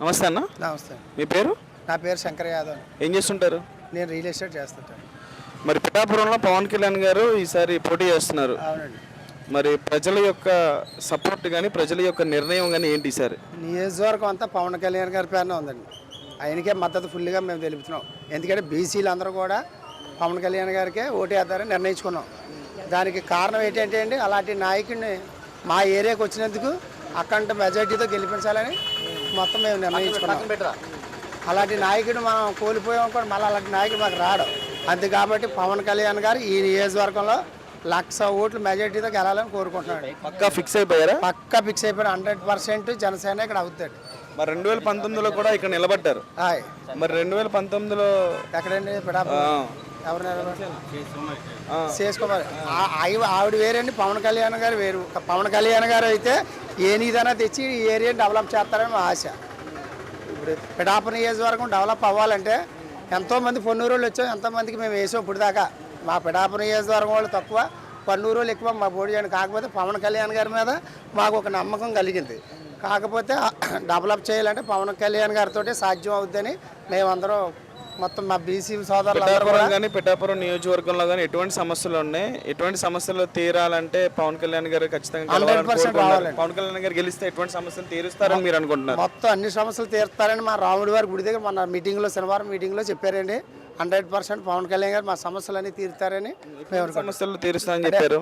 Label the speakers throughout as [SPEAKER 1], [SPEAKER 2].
[SPEAKER 1] నమస్తే అన్న.
[SPEAKER 2] నమస్తే.
[SPEAKER 1] మీ పేరు?
[SPEAKER 2] నా పేరు శంకర్ యాదవ్.
[SPEAKER 1] ఏం చేస్తుంటారు?
[SPEAKER 2] నేను రియల్ ఎస్టేట్ చేస్తుంటాను.
[SPEAKER 1] మరి పిఠాపురంలో పవన్ కళ్యాణ్ గారు ఈసారి పోటీ చేస్తున్నారు.
[SPEAKER 2] అవునండి.
[SPEAKER 1] మరి ప్రజల యొక్క సపోర్ట్ కానీ ప్రజల యొక్క నిర్ణయం కానీ ఏంటి ఈసారి?
[SPEAKER 2] నియోజకవర్గం అంతా పవన్ కళ్యాణ్ గారి పేరునే ఉందండి. ఆయనకే మద్దతు ఫుల్గా మేము తెలుపుతున్నాం. ఎందుకంటే బీసీలు అందరూ కూడా పవన్ కళ్యాణ్ గారికే ఓటేద్దారని నిర్ణయించుకున్నాం. దానికి కారణం ఏంటంటే అండి, అలాంటి నాయకుడిని మా ఏరియాకి వచ్చినందుకు అఖండ మెజార్టీతో గెలిపించాలని మొత్తం మేము నిర్ణయించుకున్నాం. అలాంటి నాయకుడు మనం కోల్పోయాం కూడా, మళ్ళీ అలాంటి నాయకుడు మాకు రాడు. అంతే కాబట్టి పవన్ కళ్యాణ్ గారు ఈ నియోజకవర్గంలో 1,00,000 ఓట్లు మెజార్టీతో గెలాలని కోరుకుంటున్నాడు.
[SPEAKER 1] పక్కా ఫిక్స్ అయిపోయారా?
[SPEAKER 2] పక్కా ఫిక్స్ అయిపోయారు. 100% జనసేన ఇక్కడ అవుతాడు.
[SPEAKER 1] మరి 2019లో కూడా ఇక్కడ నిలబడ్డారు. మరి 2019లో
[SPEAKER 2] ఎక్కడండి? ఎవరు నిలబడ్డారు? చేసుకోవాలి. ఆవిడ వేరండి, పవన్ కళ్యాణ్ గారు వేరు. పవన్ కళ్యాణ్ గారు అయితే ఏ నీదైనా తెచ్చి ఈ ఏరియాని డెవలప్ చేస్తారని మా ఆశ. ఇప్పుడు పిఠాపురం నియోజకవర్గం డెవలప్ అవ్వాలంటే ఎంతోమంది పొన్నూరు వాళ్ళు వచ్చాం, ఎంతోమందికి మేము వేసాం. ఇప్పుడు దాకా మా పిఠాపురం నియోజకవర్గం వాళ్ళు తక్కువ, పొన్నూరు వాళ్ళు ఎక్కువ మా పోటీ చేయండి. కాకపోతే పవన్ కళ్యాణ్ గారి మీద మాకు ఒక నమ్మకం కలిగింది. కాకపోతే డెవలప్ చేయాలంటే పవన్ కళ్యాణ్ గారితో సాధ్యం అవుద్దని మేమందరం మొత్తం మా బీసీ సోదరులు.
[SPEAKER 1] పిఠాపురం నియోజకవర్గంలో కానీ ఎటువంటి సమస్యలు ఉన్నాయి? ఎటువంటి సమస్యలు తీరాలంటే పవన్ కళ్యాణ్ గారు ఖచ్చితంగా
[SPEAKER 2] 100% రావాలండి.
[SPEAKER 1] పవన్ కళ్యాణ్ గారు గెలిస్తే ఎటువంటి సమస్యలు తీరుస్తారని మీరు అనుకుంటున్నారు?
[SPEAKER 2] మొత్తం అన్ని సమస్యలు తీరుస్తారని మా రాముడి వారి గుడి దగ్గర మన మీటింగ్లో, శనివారం మీటింగ్లో చెప్పారండి. 100% పవన్ కళ్యాణ్ గారు మా సమస్యలన్నీ తీరుతారని మేము
[SPEAKER 1] సమస్యలు తీరుస్తారని చెప్పారు.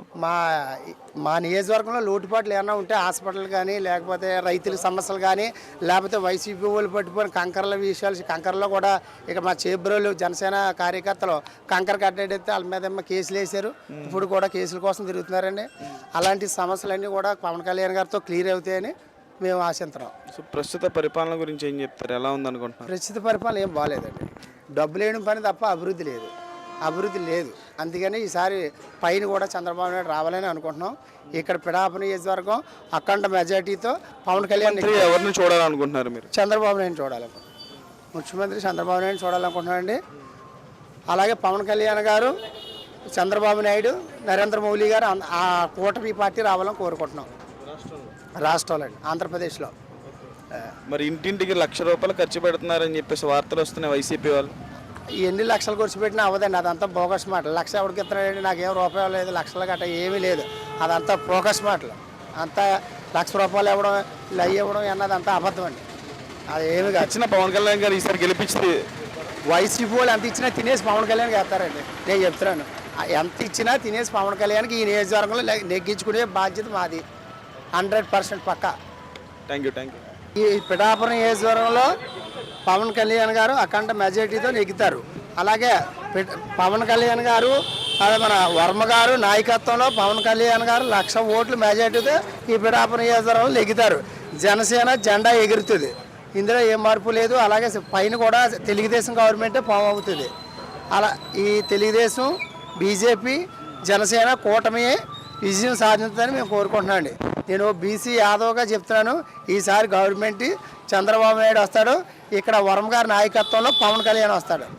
[SPEAKER 2] మా నియోజకవర్గంలో లోటుపాట్లు ఏమైనా ఉంటే హాస్పిటల్ కానీ, లేకపోతే రైతుల సమస్యలు కానీ, లేకపోతే వైసీపీ వాళ్ళు పట్టుకొని కంకర్ల విషయాలు, కంకర్లో కూడా ఇక మా చేబ్రోలు జనసేన కార్యకర్తలు కంకర కట్టేస్తే వాళ్ళ మీద కేసులు వేశారు. ఇప్పుడు కూడా కేసుల కోసం తిరుగుతున్నారండి. అలాంటి సమస్యలన్నీ కూడా పవన్ కళ్యాణ్ గారితో క్లియర్ అవుతాయని మేము ఆశిస్తున్నాం.
[SPEAKER 1] సో ప్రస్తుత పరిపాలన గురించి ఏం చెప్తారు? ఎలా ఉందనుకుంటున్నారు?
[SPEAKER 2] ప్రస్తుత పరిపాలన ఏం బాగాలేదండి. డబ్బులు వేయడం పని తప్ప అభివృద్ధి లేదు. అందుకని ఈసారి పైన కూడా చంద్రబాబు నాయుడు రావాలని అనుకుంటున్నాం. ఇక్కడ పిఠాపురం నియోజకవర్గం అఖండ మెజార్టీతో పవన్ కళ్యాణ్
[SPEAKER 1] ఎవరిని చూడాలనుకుంటున్నారు మీరు?
[SPEAKER 2] చంద్రబాబు నాయుడు చూడాలనుకుంటున్నాం. ముఖ్యమంత్రి చంద్రబాబు నాయుడు చూడాలనుకుంటున్నానండి. అలాగే పవన్ కళ్యాణ్ గారు, చంద్రబాబు నాయుడు, నరేంద్ర మోదీ గారు ఆ కూటమి పార్టీ రావాలని కోరుకుంటున్నాం. రాష్ట్రంలో ఆంధ్రప్రదేశ్లో
[SPEAKER 1] మరి ఇంటింటికి ₹1,00,000 ఖర్చు పెడుతున్నారని చెప్పేసి వార్తలు వస్తున్నాయి వైసీపీ వాళ్ళు.
[SPEAKER 2] ఎన్ని లక్షలు ఖర్చు పెట్టినా అవ్వదండి. అదంతా బోగస్ మాటలు. 1,00,000 ఎవరికి ఇస్తున్నాడండి? నాకేం రూపాయలు లేదు, లక్షలు గట్ట ఏమీ లేదు. అదంతా బోగస్ మాటలు. అంతా ₹1,00,000 ఇవ్వడం, ఇవ్వడం అన్నది అంతా అబద్ధం అండి. అది ఏమి
[SPEAKER 1] వచ్చిన పవన్ కళ్యాణ్ గారు ఈసారి గెలిపించింది.
[SPEAKER 2] వైసీపీ వాళ్ళు ఎంత ఇచ్చినా తినేసి పవన్ కళ్యాణ్కి వేస్తారండి. నేను చెప్తున్నాను, ఎంత ఇచ్చినా తినేసి పవన్ కళ్యాణ్కి ఈ నియోజకవర్గంలో నెగ్గించుకునే బాధ్యత మాది. 100% పక్కా.
[SPEAKER 1] Thank you.
[SPEAKER 2] ఈ పిఠాపురం నియోజకవర్గంలో పవన్ కళ్యాణ్ గారు అఖండ మెజార్టీతో నెగ్గుతారు. అలాగే పవన్ కళ్యాణ్ గారు, అదే మన వర్మ గారు నాయకత్వంలో పవన్ కళ్యాణ్ గారు 1,00,000 ఓట్లు మెజార్టీతో ఈ పిఠాపురం నియోజకవర్గంలో నెగ్గుతారు. జనసేన జెండా ఎగురుతుంది. ఇందులో ఏం మార్పు లేదు. అలాగే పైన కూడా తెలుగుదేశం గవర్నమెంటే ఫామ్ అవుతుంది. అలా ఈ తెలుగుదేశం, బీజేపీ, జనసేన కూటమి విజయం సాధించాలని మేము కోరుకుంటున్నాం అండి. నేను బీసీ యాదవ్గా చెప్తున్నాను, ఈసారి గవర్నమెంట్ చంద్రబాబు నాయుడు వస్తాడు. ఇక్కడ వర్మ గారి నాయకత్వంలో పవన్ కళ్యాణ్ వస్తాడు.